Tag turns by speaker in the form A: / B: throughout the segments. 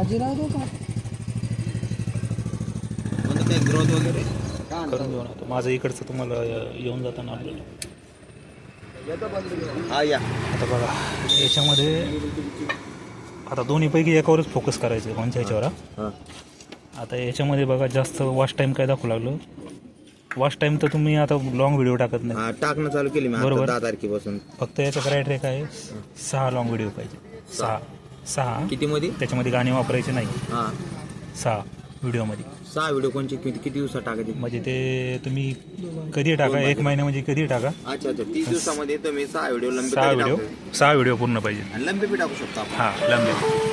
A: बाजीराव दो का
B: म्हणजे ते ग्रोथ वगैरे
C: करून घेऊन आता माझं इकडचं तुम्हाला येऊन जाताना आपल्याला
B: हा या
C: आता बघा याच्यामध्ये आता दोन्हीपैकी एकावरच फोकस करायचं आहे कोणत्या ह्याच्यावर
B: हा
C: आता याच्यामध्ये बघा जास्त वॉच टाईम काय दाखवू लागलं वॉच टाईम तर तुम्ही आता लॉंग व्हिडिओ टाकत नाही
B: हा टाकणं चालू केली मी
C: बरोबर.
B: 10 तारखेपासून.
C: फक्त याचा क्रायटेरिया काय आहे 6 लॉंग व्हिडिओ पाहिजे 6
B: किती मध्ये?
C: त्याच्यामध्ये गाणे वापरायचे नाही
B: हा
C: 6 व्हिडिओमध्ये
B: 6 व्हिडिओ कोणचे किती दिवसात टाकायचे?
C: म्हणजे ते तुम्ही कधी टाका 1 महिना म्हणजे कधी टाका
B: अच्छा 30 दिवसामध्ये तुम्ही 6 व्हिडिओ लंबे
C: 6 व्हिडिओ पूर्ण पाहिजे
B: आणि लंबे बी टाकू शकतो आपण.
C: हां लंबे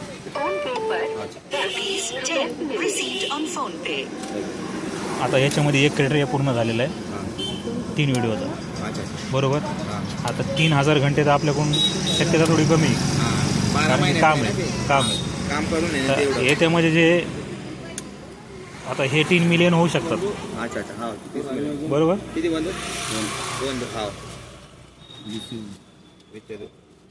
C: आता याच्यामध्ये एक क्रायटेरिया पूर्ण झालेला आहे 3 व्हिडिओचा
B: अच्छा
C: बरोबर.
B: हा
C: आता 3000 घंटे तर आपल्याकडून शक्यता थोडी कमी आहे.
B: हा 12
C: कारण की
B: महिने
C: काम आहे
B: काम करून आहे ना
C: तर
B: तेवढं.
C: याच्यामध्ये जे आता हे 3 मिलियन होऊ शकतात
B: अच्छा हा 30 मिनिट.
C: बरोबर.
B: किती बंद? दोन हा विचारू.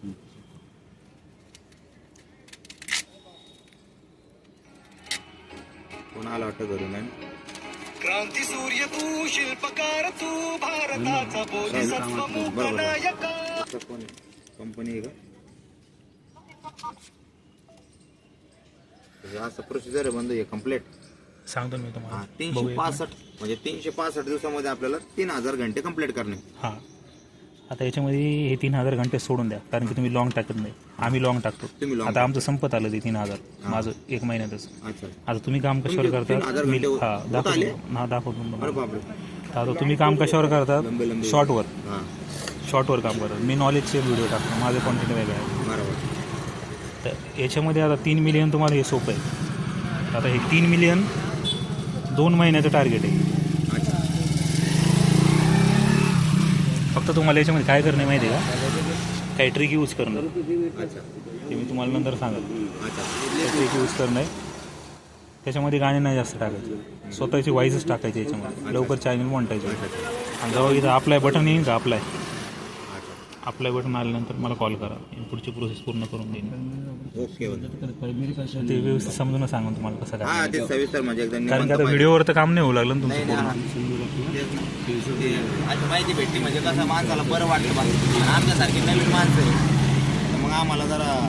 B: कोण आला वाटतं घरून आहे?
D: क्रांती सूर्य तू शिल्पकार तू भारताचा बोधिसत्व मूकनायका.
B: कोण कंपनी आहे का? असं प्रोसिजर आहे बंद आहे कम्प्लीट.
C: सांगतो मी तुम्हाला
B: 365 म्हणजे 365 दिवसामध्ये आपल्याला 3000 घंटे कंप्लीट करणे.
C: हां आता याच्यामध्ये हे 3000 घंटे सोडून द्या कारण की तुम्ही लॉंग टाकत नाही आम्ही लॉंग टाकतो.
B: तुम्ही long
C: आता आमचं संपत आलं ते 3000 माझं 1 महिन्यातच.
B: अच्छा
C: आता तुम्ही काम कशावर
B: तुमचे
C: करता
B: 3000
C: मी
B: घंटे होत आले?
C: दाखवतो
B: अरे
C: तुम्हाला.
B: बापरे.
C: आता तुम्ही काम कशावर करतात
B: लंबे
C: शॉर्टवर
B: हा
C: शॉर्टवर काम करतात. मी नॉलेजचे व्हिडिओ टाकतो माझं कॉन्टेंट वेगळं आहे.
B: बरोबर.
C: तर याच्यामध्ये आता 3 मिलियन तुम्हाला हे सोपं आहे. आता हे 3 मिलियन 2 महिन्याचं टार्गेट आहे.
B: अच्छा
C: फक्त तुम्हाला याच्यामध्ये काय करणं आहे माहिती आहे का काही ट्रिक यूज करणं
B: अच्छा
C: ते मी तुम्हाला नंतर सांगेल.
B: अच्छा
C: ट्रिक यूज करणं आहे त्याच्यामध्ये गाणे नाही जास्त टाकायचे स्वतःची वाईजच टाकायचे याच्यामध्ये लवकर चॅनल मोनिटायचे. आणि जेव्हा इथं अप्लाय बटन येईल का अप्लाय बटन आल्यानंतर मला कॉल करा पुढची प्रोसेस पूर्ण करून देईन.
B: ओके
C: ते व्यवस्थित समजून सांगून तुम्हाला कसं
B: हा
C: काय
B: ते सविस्तर म्हणजे एकदम
C: कारण की
B: निवांत
C: आता
B: पाहिजे.
C: व्हिडिओवर तर काम नाही होऊ लागलं ना
B: नाही
C: तुमचं
B: नाही
C: पूर्ण.
B: ते आता माहिती भेटली म्हणजे कसं माणसाला बरं वाटलं बा. आणि आमच्यासारखी नवीन माणसं आहे तर मग आम्हाला जरा